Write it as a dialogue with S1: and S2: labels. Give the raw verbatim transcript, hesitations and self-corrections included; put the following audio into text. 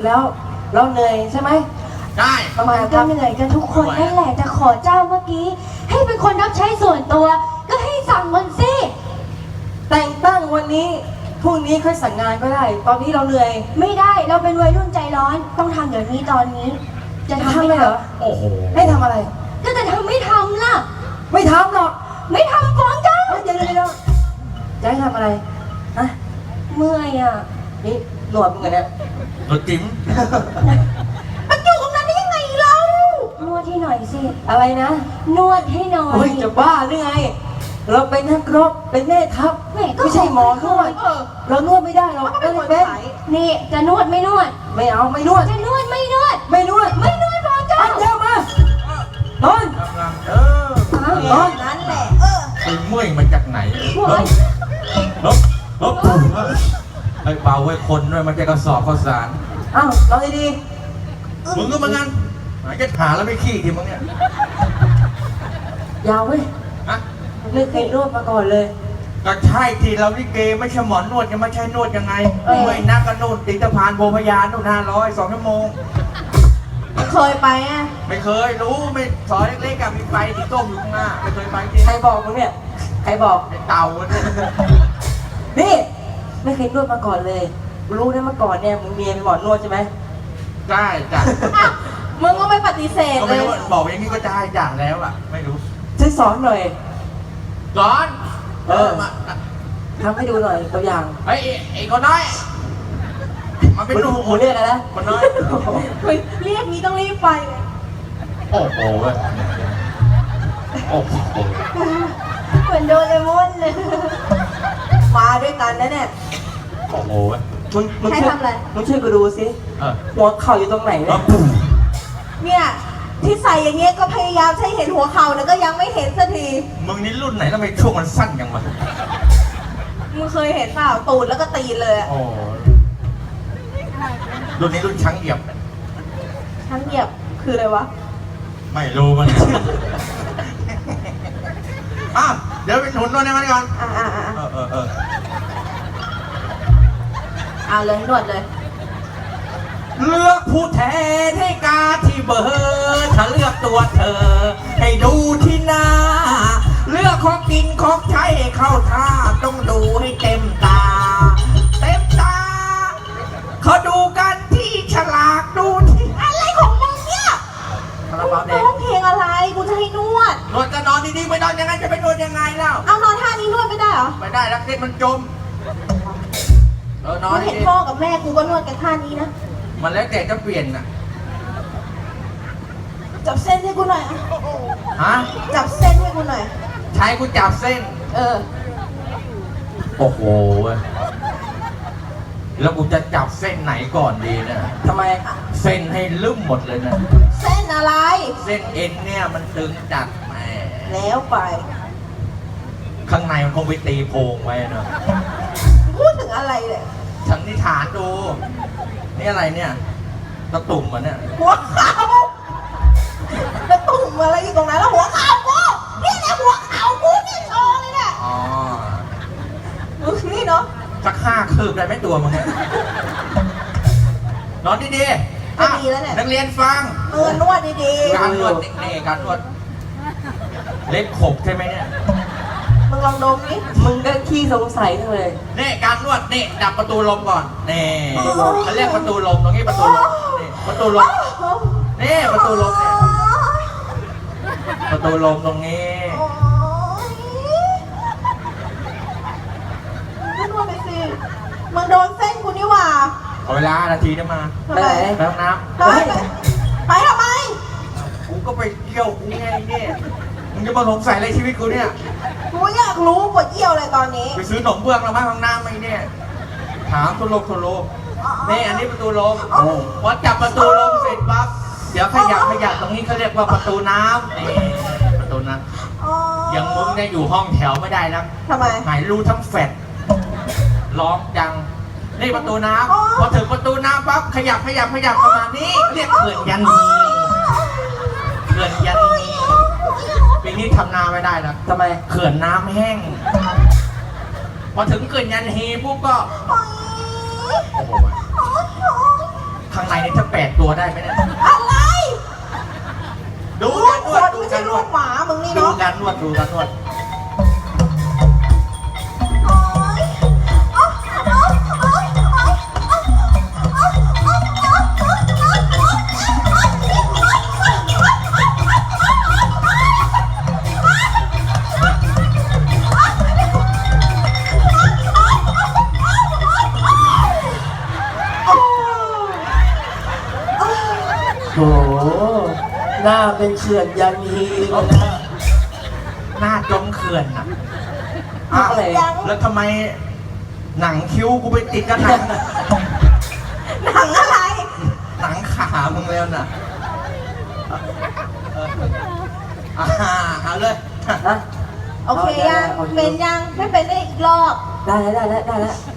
S1: แล้วเราเหนื่อยใช่ไหม
S2: ได้
S1: ประมาณ
S3: ก็เหนื่อยกันทุกคนนั่นแหละแต่ขอเจ้าเมื่อกี้ให้เป็นคนรับใช้ส่วนตัวก็ให้สั่งมันสิ
S1: แต่งตั้งวันนี้พรุ่งนี้ค่อยสั่งงานก็ได้ตอนนี้เราเหนื่อย
S3: ไม่ได้เราเป็นวัยรุ่นใจร้อนต้องทำเดี๋ยวนี้ตอนนี้จะทำ
S1: ไม่เหรอ
S2: โอ้โห
S1: ให้ทำอะไร
S3: ก็จะทำไม่ทำล่ะ
S1: ไม่ทำหรอก
S3: ไม่ทำฟ้องเจ้า
S1: เดี๋ยวเดี๋ยวจะให้ทำอะไรฮะ
S3: เมื่อยอ่ะ
S1: นี่หนวดมึงเหรอเนี่ย
S2: หนวดจิ้ม
S3: มันอยู่ตรงนั้นได้ยังไงเรานวดให้หน่อยสิ
S1: อะไรนะ
S3: นวดให้หน่อย
S1: โอ้ยจะบ้าหรือไงเราเป็นนักรบเป็นแม่ทัพไม่ใช่หมอนวดเรานวดไม่ได้เราก็เลยเป็น
S3: นี่จะนวดไม่นวด
S1: ไม่เอาไม่นวด
S3: จะนวดไม่นวด
S1: ไม่นวด
S3: ไม่นวดฟ้องเจ้า
S1: เดี๋ยวมานอน
S2: เออ
S1: นอน
S3: นั่นแหละเออ
S2: ไอ้เมื่อยมาจากไหนลบลบลบไอ้เบาไว้คนด้วยมันจะกระสอบข้าวสาร
S1: อ้าวลองดี
S2: มึงก็มางั้นหายจะหาแล้วไม่ขี้ทีมึงเนี่ย
S1: ยาวเว้ย
S2: ฮะ
S1: ไม่เคยนวดมาก่อนเลย
S2: ก็ใช่ที่เราลิเกไม่ใช่หมอนนวดจะไม่ใช่นวดยังไงเมื่อยนักกันนู่นติดสะพานโพพยานนู่นห้าร้อยสองชั่วโมง
S3: เคยไปอ่ะ
S2: ไม่เคยรู้ไม่ซอยเล็กๆกับมีไฟที่ต้มอยู่ข้างหน้าไม่เคยไปจริง
S1: ใครบอกมึงเนี่ยใครบอก
S2: เต่าเนี่ย
S1: นี่ไม่เคยนวดมาก่อนเลยรู้นะเมื่อก่อนเนี่ยมึงเมียเป็นหมอนวดใช่ไหม
S2: ได้จ้ะ
S3: มึงก็ไม่ปฏิเสธเลย
S2: บอกอย่างนี้ก็ได้จ้ะแล้วอ่ะไม่รู้
S1: ช่วยสอนหน่อย
S2: สอน
S1: เออมาทำให้ดูหน่อยตัวอย่าง
S2: ไอ้ไอ้คนน้อยมันเป็นลูก
S1: หมูเรียกอะไรนะ
S2: คนน้อย
S3: เรียกนี้ต้องรีบไป
S2: โอ้โหโอ้โห
S3: เหมือนโดเรมอนเลยมาด้วยกันนะเนี่ย
S2: โอ้โห
S1: มึงมึงช่วยมึงช่วยกูดูสิหัวเข่าอยู่ตรงไหนเนี่ย
S3: เนี่ยที่ใส่อย่างเงี้ยก็พยายามให้เห็นหัวเข่าแล้วก็ยังไม่เห็นสักที
S2: มึงนี่รุ่นไหนทำไมช่วงมันสั้นจังวะ
S3: มึงเคยเห็นเปล่าตูดแล้วก็ตีเลย
S2: โอ้รุ่นนี้รุ่นช้างเหยียบ
S3: ช้างเหยียบคืออะไรวะ
S2: ไม่รู้มันอ่ะเดี๋ยวไปหนุนนวดให้มันก่อน
S3: อ่าอ่าอ่า
S2: เออเออเออ
S3: เอาเลยนวดเลย
S2: เลือกผู้แทนให้กาที่เบอร์ถ้าเลือกตัวเธอให้ดูที่หน้าเลือกของกินของใช้ให้เข้าท่าต้องดูให้เต็มตาเต็มตาเขาดูกันที่ฉลากดูที่
S3: อะไรของมึงเนี่ย
S2: ร้
S3: องเพลงอะไรกูจะให้นวด
S2: นวดก็นอนดีๆไม่นอนยังไงจะไปนวดยังไงแล้ว
S3: เอานอนท่านี้นวดไม่ได้เหรอ
S2: ไม่ได้แล้วเด็กมันจมเออนอน
S3: เห็นพ่อกับแม่กูก็นวดกันท่านี้นะ
S2: มันแล้วแต่จะเปลี่ยนน่ะ
S3: จับเส้นให้กูหน่อย
S2: ฮะ
S3: จับเส้นให้กูหน่อย
S2: ใช้กูจับเส้น
S3: เออ
S2: โอ้โหแล้วกูจะจับเส้นไหนก่อนดีเนี่ย
S1: ทำไม
S2: เส้นให้ลืมหมดเลยนะ
S3: เส้นอะไร
S2: เส้นเอ็นเนี่ยมันตึงจัดแหม
S3: แล้วไป
S2: ข้างในมันคงไปตีโพงไว้เนอะ
S3: พูดถึงอะไรเลย
S2: ฉันนิฐานดูนี่อะไรเนี่ยตะตุ่มมันเนี่ย
S3: หัวเข่าตะตุ่มอะไรอยู่ตรงนั้นแล้วหัวเข่ากูนี่แหละหัวเข่ากูนี่โชว์เลยเนี่ย
S2: อ๋อ
S3: มึงนี่เนาะ
S2: สักห้าคืบได้ไหมตัวมึงเนี่ยนอนดีๆ
S3: ก็ดีแล้วเนี่ย
S2: นักเรียนฟัง
S3: เออนวดดี
S2: ๆการนวดนี่การนวดเล็บขบใช่ไหมเนี่ย
S3: มึงลองดมดิ
S1: มึงก็ขี้สงสัยจังเลย
S2: นี่การนวดนี่ดับประตูลมก่อนนี่เขาเรียกประตูลมตรงนี้ประตูลมนี่ประตูลมนี่ประตูลมเนี่ยประตูลมตรงนี้
S3: มึงนวดไปสิมึงโดนเส้นกูนี่หว่า
S2: เอาเวลานาทีได้มา
S3: ไปไหน
S2: ไปห้องน้ำ
S3: ไปไปทำไม
S2: กูก็ไปเที่ยวกูไงเนี่ยมึงจะมาสงสัยอะไรชีวิตกูเนี่ย
S3: กูอยากรู้ปวดเยี่ยวอะไรตอนนี้
S2: ไปซื้อหนมเบื้องแล้วมาห้องน้ำไหมเนี่ยถามทุลมทุลมนี่อันนี้ประตูลมพอจับประตูลมเสร็จปั๊บเดี๋ยวขยับขยับตรงนี้เขาเรียกว่าประตูน้ำนี่ประตูน้ำยังมึงเนี่ยอยู่ห้องแถวไม่ได้แล้ว
S3: ทำไม
S2: หายรูทั้งแฟดร้องจังนี่ประตูน้ำพอถึงประตูน้ำปั๊บขยับขยับขยับประมาณนี้เรียกเขื่อนยันนีเขื่อนยันนีปีนี้ทำนาไม่ได้แล้ว
S1: ทำไม
S2: เขื่อนน้ำแห้งพอถึงเขื่อนยันฮีปุ๊บก็โอ้โหข้างในนี่ถ้าแปดตัวได้ไหมเนี่ย
S3: อะไร
S2: ดู
S3: ลู
S2: การ
S3: ก
S2: น
S3: คว
S2: ด
S3: น
S2: ดู
S3: ไม่
S2: กา
S3: ใช่
S2: รน
S3: ลู
S2: วด
S3: กหมามึงนี่
S2: ดู
S3: เนาะ
S2: การนวดดูการนวด
S3: โอ๊ยโอ๊ยโอ๊ยโอ๊ยโอ๊ยโอ๊ยโอ๊ยโอ๊ยโอ๊ยโอ๊ยโอ๊ยโอ๊ย
S1: โอ้โหหน้าเป็นเขื่อนยันฮีเลยนะ
S2: หน้าจมเขื่อนอ่ะ
S1: ทำอะไร
S2: แล้วทำไมหนังคิ้วกูไปติดกับหนัง
S3: หนังอะไร
S2: หนังขามึงแล้วน่ะเอออ่าเอาเลย
S1: ฮะ
S3: โอเคยัง
S1: อา
S3: เป็นยังไม่เป็นได้อีกรอบ
S1: ได้แล้วได้แล้วได้แล้ว